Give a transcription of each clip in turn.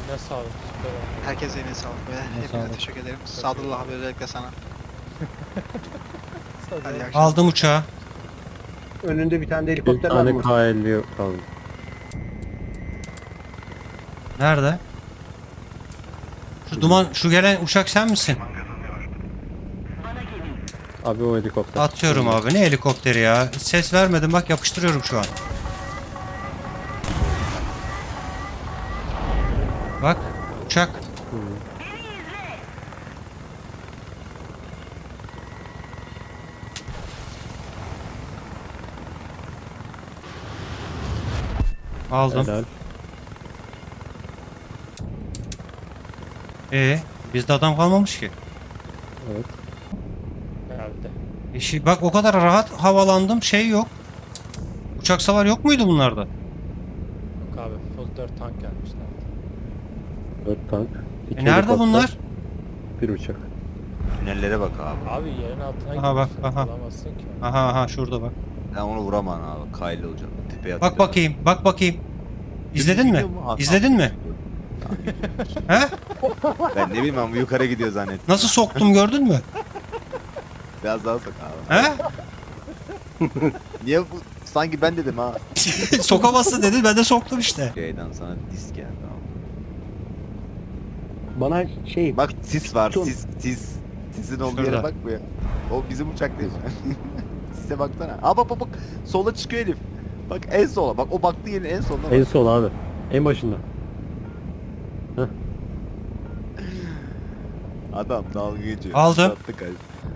Ne sağlık, süper oldu. Herkese yine sağlık ve hepinize sağlık. teşekkür ederim. Sadullah abi özellikle sana. Hadi iyi Hadi. akşamlar. Aldım uçağı. Önünde bir tane de Bir helikopter var tane mı? K50 kaldı. Nerede? Şu gelen uçak sen misin? Abi o helikopter. Atıyorum abi. Ne helikopteri ya? Ses vermedim bak yapıştırıyorum şu an. Bak uçak. Aldım. Helal. Bizde adam kalmamış ki. Evet. Geldi. Bak o kadar rahat havalandım şey yok. Uçak savar yok muydu bunlarda? Yok abi, full 4 tank gelmişler. 4 tank. iki Nerede helikopter, bunlar? Bir uçak. Tünellere bak abi. Abi yerin altına Aha, bak, girmişler, aha. bulamazsın ki. Aha şurada bak. Ben onu vuramam abi. Kaylı olacak. Tepeye Bak bakayım, bak bakayım. İzledin mi? Gidiyor mu? İzledin mi? He? Ben ne bileyim ben bu yukarı gidiyor zannettim. Nasıl soktum gördün mü? Biraz daha sok abi. He? Niye bu? Sanki ben dedim ha. Sokamazsın dedi ben de soktum işte. Şeyden sana disk geldi abi. Bana şey Bak sis var Tun. sis. Sisin olduğu Şurada. yere bak bu ya. O bizim uçak değil mi? Sise baksana. Aa bak. Sola çıkıyor Elif. Bak en sola. Bak o baktığı yerin en soluna bak. En sol abi. En başında. Adam dalga geçiyor. Aldım. Sattı kalp.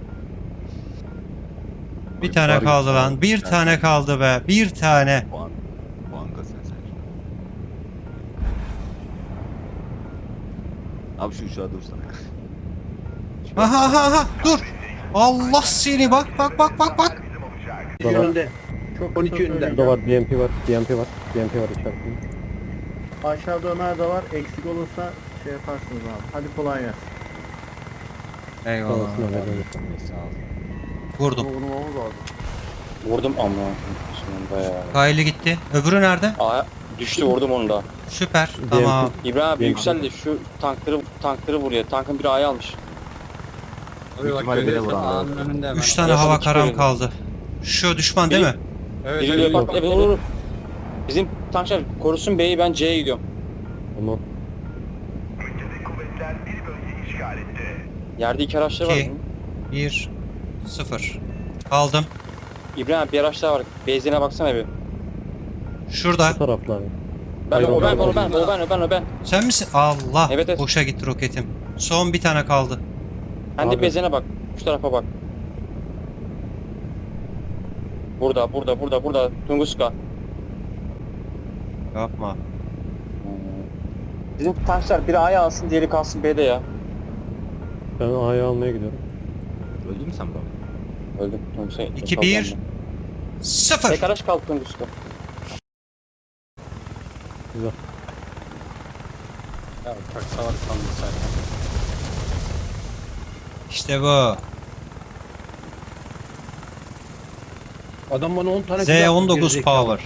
Bir tane kaldı lan. Bir tane kaldı be. Bir tane. Puan kasıyorsun sen. Abi şu uçağa dursana. Aha. Dur. Allah seni bak. Burada var. yönünde. Çok 12 yönünde. Burada var. BMP var. BMP var. BMP var içerisinde. Aşağıda Ömer de var. Eksik olursa şey yaparsınız abi. Hadi kolay gelsin. Eyvallah. Sonrasında verelim. Vurdum. Vurmamız lazım. Vurdum ama bayağı. Kaylı gitti. Öbürü nerede? Aa, düştü vurdum onu da. Süper. Tamam. İbrahim abi Benim- yüksel de şu tankları vuruyor. Tankın biri A'yı almış. Büyük ihtimalle beni vur abi. 3 tane Nasıl hava karam çıkıyor? kaldı. Şu düşman değil mi? Biri bak evet olur. Bizim tankçılar korusun B'yi, ben C'ye gidiyorum. Tamam. Yerde iki araçlar var. 2 1 0. Kaldım. İbrahim abi bir araç daha var. Benzin'e baksana bir. Şurada. Bu taraflar. Ben Hayır, o ben. Sen misin? Allah. Evet, evet. Boşa gitti roketim. Son bir tane kaldı. Sen de Abi. benzin'e bak. Şu tarafa bak. Burada. Tunguska. Yapma. Bizim tankçılar biri A'ya alsın, diğeri kalsın B'de ya. Ben A'yı almaya gidiyorum. Öldün mü sen baba? Öldüm. Tunguska. 2 1 0. Tek araç kaldı Tunguska. Güzel. Ya uçak savar kaldı zaten. İşte bu. Adam bana 10 tane silah Z19 verecek. power.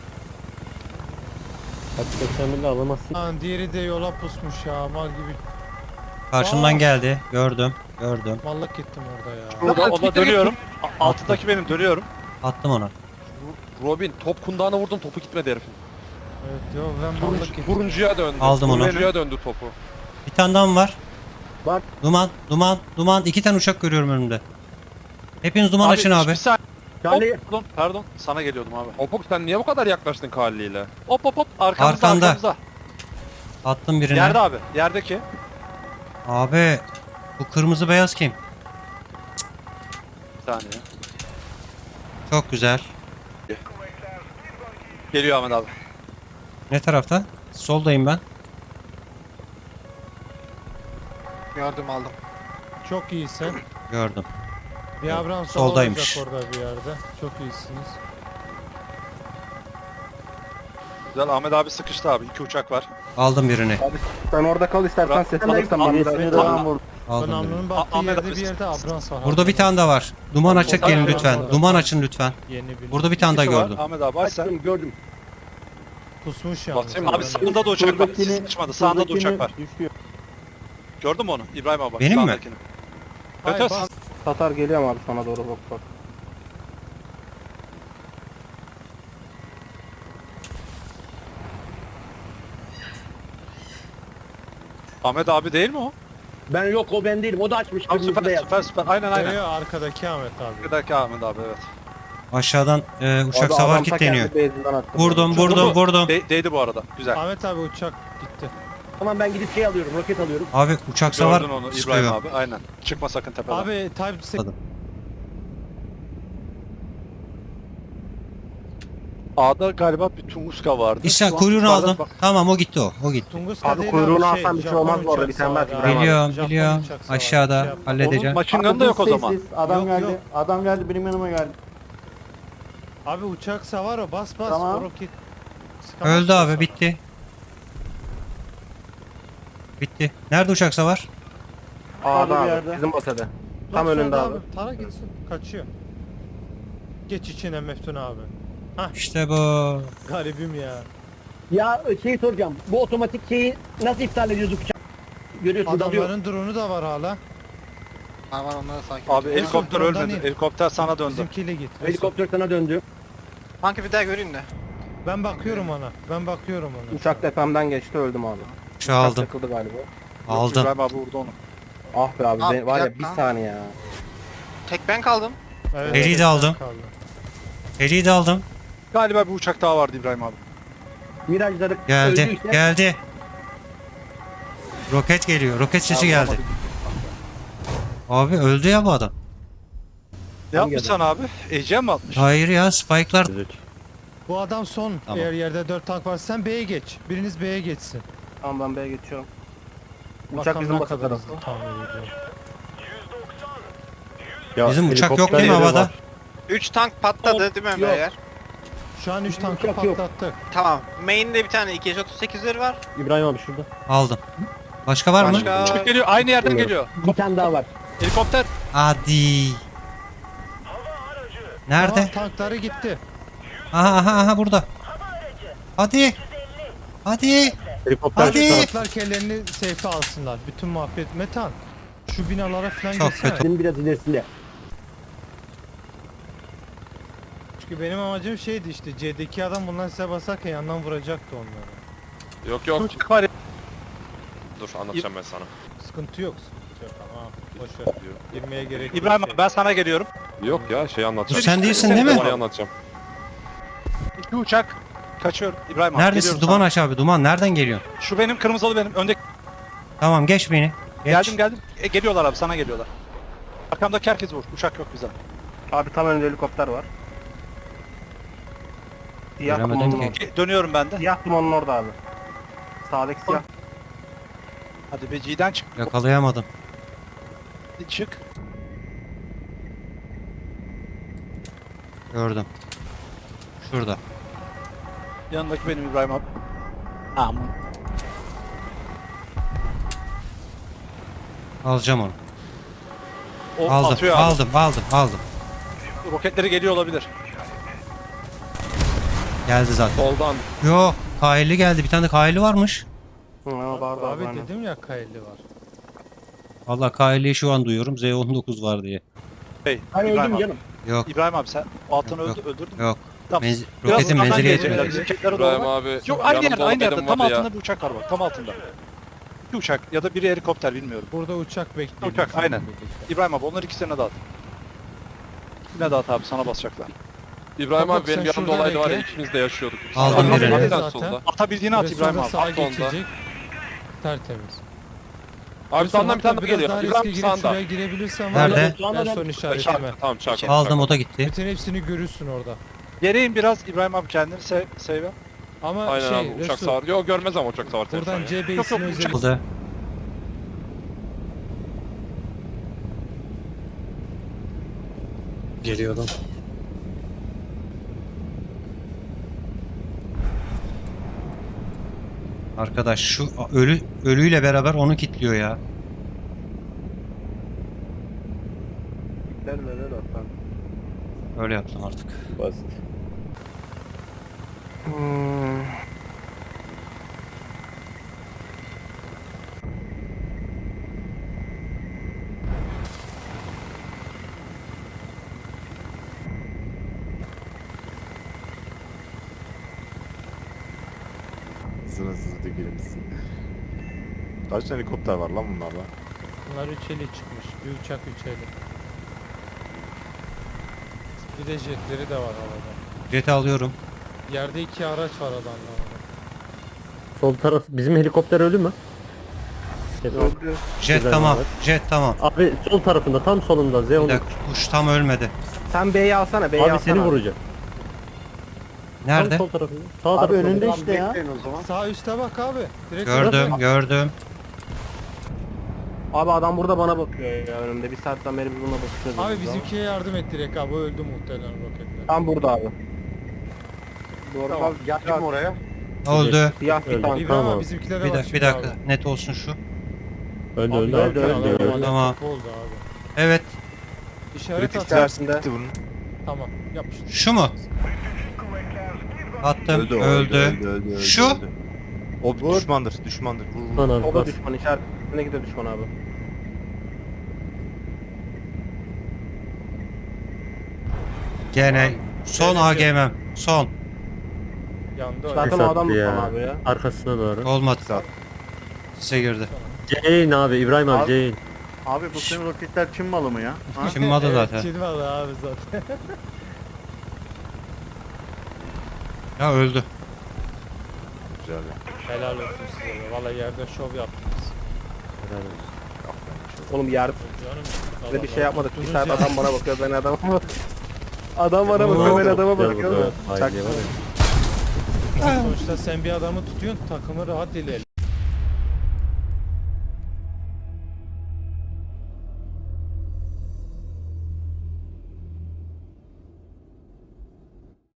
Kaç 81'de alamazsın. Lan diğeri de yola pusmuş ya, mal gibi. Karşımdan Aa. geldi. Gördüm. Mallık gittim orada ya. Burada ona dönüyorum. Altıdaki benim dönüyorum. Attım ona. Robin top kundağına vurdum, topu gitmedi herifin. Evet yo, ben mallık gittim. Turuncuya döndü. Aldım onu. Turuncuya döndü topu. Bir tane daha mı var? Var. Duman. 2 tane uçak görüyorum önümde. Hepiniz duman açın abi. Bir saniye. Yani Pardon. Sana geliyordum abi. Hop sen niye bu kadar yaklaştın Kali'yle? Hop. Arkamızda. Arkanda. Arkamızda. Attım birine. Yerde abi. Yerdeki. Abi bu kırmızı beyaz kim? Bir saniye. Çok güzel. Geliyor Ahmet abi. Ne tarafta? Soldayım ben. Gördüm aldım. Çok iyisin. Gördüm. Bir Abrams Soldaymış. olacak orada bir yerde. Çok iyisiniz. Güzel, Ahmet abi sıkıştı abi. 2 uçak var. Aldım birini. Sen orada kal istersen Bırak. ses alırsan bana Ahmet- da. Ahmet- Tamam vur. Aldım birini. Sonamlının baktığı Ahmet yerde abi- bir yerde Abrams var. Burada bir tane daha var. Duman açık Orada gelin var, lütfen. orada. Duman açın lütfen. Yeni bir. Burada bir tane daha İkisi var. gördüm. Ahmet abi aç sen. açtım gördüm. Pusmuş yalnız. Basayım mı? Abi sağında da uçak var. Siz Şuradakini- sıçmadı. Sağında da uçak var. Düşüyor. Gördün mü onu? İbrahim abi. Benim mi? sağdakini. Evet, Hayır, evet, bas. Tatar geliyor abi sana doğru bak bak. Ahmet abi değil mi o? Ben yok o ben değilim. O da açmış. Abi kırmızı süper beyaz. süper süper. Aynen aynen. Geliyor arkadaki Ahmet abi. Arkadaki Ahmet abi evet. Aşağıdan uçak Abi savar adam ta kilitleniyor. kendi base'inden attı. Vurdum Çok vurdum vurdu. vurdum. Değdi bu arada. Güzel. Ahmet abi uçak gitti. Tamam ben gidip şey alıyorum. Roket alıyorum. Abi uçak savar Gördün onu İbrahim sıkıyor. abi. Aynen. Çıkma sakın tepeden. Abi Type Anladım. A'da galiba bir Tunguska vardı. İşte Şu an kuyruğunu yukarıdan aldım. bak- Tamam o gitti o. O gitti. Tunguska Abi değil kuyruğunu abi, alsan bir şey Japon olmaz bu arada, uçak bir tane savarı belki abi. Bravo. Biliyorum Japon biliyorum. uçak savarı, Aşağıda şey yapma. halledeceğim. Onun machine gun da yok o zaman. Adam Yok, geldi. yok. Adam geldi benim yanıma geldi. Abi uçak savar o, bas bas Tamam. o roket. Sıkamaz Öldü abi sana. bitti. Bitti. Nerede uçak savar? A'da bir abi. yerde. Bizim basede. Bak Tam solda önünde abi. Tara gitsin. Kaçıyor. Geç içine Meftun abi. İşte bu. Garibim ya. Ya şey soracağım. Bu otomatik şeyi nasıl iptal ediyoruz uçak? Görüyorsun dalıyor. Adamların drone'u da var hala. Var var onları sakin. Abi ol. helikopter Drone'dan ölmedi. in. Helikopter sana döndü. Bizimkiyle git. Helikopter sana döndü. Kanka bir daha göreyim de. Ben bakıyorum ona. Ben bakıyorum ona. Uçak tepemden geçti öldüm abi. Uçağı aldım. Takıldı galiba. Aldım. İbrahim abi vurdu onu. Ah be abi, Abi, var bir ya bir dakika. saniye ya. Tek ben kaldım. Evet, Heli'yi de evet, aldım. kaldı. Heli'yi de aldım. Galiba bir uçak daha vardı İbrahim abi. Mirajları Geldi. öldüyse Geldi. Roket geliyor. Roket sesi geldi. Abi öldü ya bu adam. Ne yapmış sana abi? Ecem mi atmış? Hayır ya spike'lar. Bu adam son. Tamam. Eğer yerde 4 tank var, sen B'ye geç. Biriniz B'ye geçsin. Tamam ben B'ye geçiyorum. Uçak Bakalım bizim ne basa kadar tarafı. hızlı tahmin ediyorum. Bizim uçak yok helikopter değil mi yeri havada? var. 3 tank patladı değil mi Yok. beyler? Şu an 3 tankı Uçak yok. patlattık. Tamam. Main'de bir tane 238'leri var. İbrahim abi şurada. Aldım. Başka var mı? Başka Uçak geliyor. Aynı yerden geliyor. bir tane daha var. Helikopter. Hadi. Nerede? Tamam, tankları gitti. Aha burada. Hadi. Hadi. Helikopter Hadi. şu taraf. Tanklar kellerini safe'e alsınlar. Bütün muhabbet Metan. Şu binalara falan Çok geçsene. kötü. Senin biraz ilerisinde. Çünkü benim amacım şeydi işte. C'deki adam bundan size basarken yandan vuracaktı onları. Yok yok. Uçak var ya. Dur anlatacağım ben sana. Sıkıntı yok. Sıkıntı yok. Tamam. Boş ver. Girmeye gerek yok. İbrahim abi ben sana geliyorum. Yok ya şey anlatacağım. Sen değilsin değil mi? Olayı anlatacağım. 2 uçak. Kaçıyorum. İbrahim abi Neredesin? geliyorum Duman aç abi. Duman nereden geliyorsun? sana. Şu benim kırmızılı benim. Öndeki. Tamam geç beni. Geç. Geldim. Geliyorlar abi sana geliyorlar. Arkamdaki herkes vur. Uçak yok bize. Abi tam önünde helikopter var. Siyah Göremedim dumanın ki. orada. Dönüyorum ben de. Siyah dumanın orada abi. Sağdaki siyah. Hadi be G'den çık. Yakalayamadım. Çık. Gördüm. Şurada. Yanındaki benim İbrahim abi. Tamam. Alacağım onu. O Aldım. atıyor abi. Aldım. Roketleri geliyor olabilir. Geldi zaten. Soldan. Yo, Kaili geldi. Bir tane de Kaili varmış. Vardı Abi aynen. dedim ya kayıtlı var. Allah Kaili'yi şu an duyuyorum. Z19 var diye. Hey, Hani İbrahim öldüm abi. canım. Yok, İbrahım abi sen o altını Yok, öldürdün mü? yok. Tamam. Biraz Roketin uzaktan menzili gelecekler. yetmiyor. Bizim Roketlere doğru İbrahim bak. abi. Yok aynı yanımda yerde olan tam benim vardı ya. altında bir uçak var bak tam altında. Bir uçak ya da biri helikopter bilmiyorum. Burada uçak bekliyor. Uçak, aynen. İbrahim abi onları ikisine dağıt. Yine dağıt abi sana basacaklar. İbrahim Bak, abi benim sen yanımda şurada olaydı var ya bekle. ikimiz de yaşıyorduk. Aldım Sağdan birini. soldan, Zaten. solda. Atabildiğini at İbrahim abi. Sağa At onda. geçecek. Tertemiz. Abi sağdan bir tane daha biraz geliyor. daha riske İbrahim girip sağında. şuraya girebilirsen var Nerede? ya, en son işaretime. Tamam çak. Aldım, o da gitti. Bütün hepsini görürsün orada. Geriyin biraz İbrahim abi kendini save. Ama Aynen şey, abi uçak Resul, savar. Yok görmez ama uçak savar. buradan telefon ya. C Yok, base'ine yok, özel. uçak- Aldı. Geliyor adam. Arkadaş şu ölüyle beraber onu kilitliyor ya. Neler atlar. Öyle yaptım artık. Basit. Sınırsız dökülmüşsün. Kaç tane helikopter var lan bunlarda? Bunlar 3 eli çıkmış. Bir uçak 3 eli. Bir de jetleri de var havada. Jet'i alıyorum. Yerde 2 araç var adamlarda. Sol taraf bizim helikopter ölü mü? Öldü. Jet Güzel tamam. abi. Jet tamam. Abi sol tarafında tam solunda Bir Zeon. dakika kuş tam ölmedi. Sen B'yi alsana B'yi Abi alsana. seni vuracak. Nerede? Tam sol tarafında. Sağ Abi tarafında. önünde Abi, işte ya. Bekleyin o zaman. Sağ üstte bak abi. Direkt Gördüm gördüm. Abi adam burada bana bakıyor ya önümde. Bir saatten beri biz buna bakıyoruz. Abi bizimkiye yardım et direkt abi. O öldü muhtemelen roketle. Tam burada abi. Doğru Tamam, abi. Geldim oraya. Oldu. Siyah bir Öldü. tank. İbrahim Tamam. abi bizimkilere Bir, bak bir şimdi dakika abi. net olsun şu. Öldü Abi öldü. öldü, Öldü adam öldü. alev Tamam. topu oldu abi. Evet. İşaret Kritik at. tersinde. Bunun. Tamam yapıştır. Şu mu? Attım. Öldü. Şu? O bir düşmandır. Düşmandır. Vur, vur. Lan abi O da bas. düşman işaretine gidiyor düşman abi. Gene son AGM'm. Son. Yandı öyle. Zaten o adam düşman abi ya. Arkasına doğru. Olmadı. Saat. Size girdi. Jane abi İbrahim abi Abi. Jane. Abi bu senin roketler Çin malı mı ya? Ha? Çinmadı Evet, zaten. Çin malı abi zaten. Ya öldü. Güzel ya. Helal olsun size be. Valla yerde şov yaptınız. Oğlum yer Canım. bir şey yapmadık. Bir Durun saat ya. adam bana bakıyor ben adama bakıyorum. Adam bana bakıyor ben adama Gel bakıyorum. burada. Aile var ya. Sonuçta sen bir adamı tutuyorsun takımı rahat ilerliyor.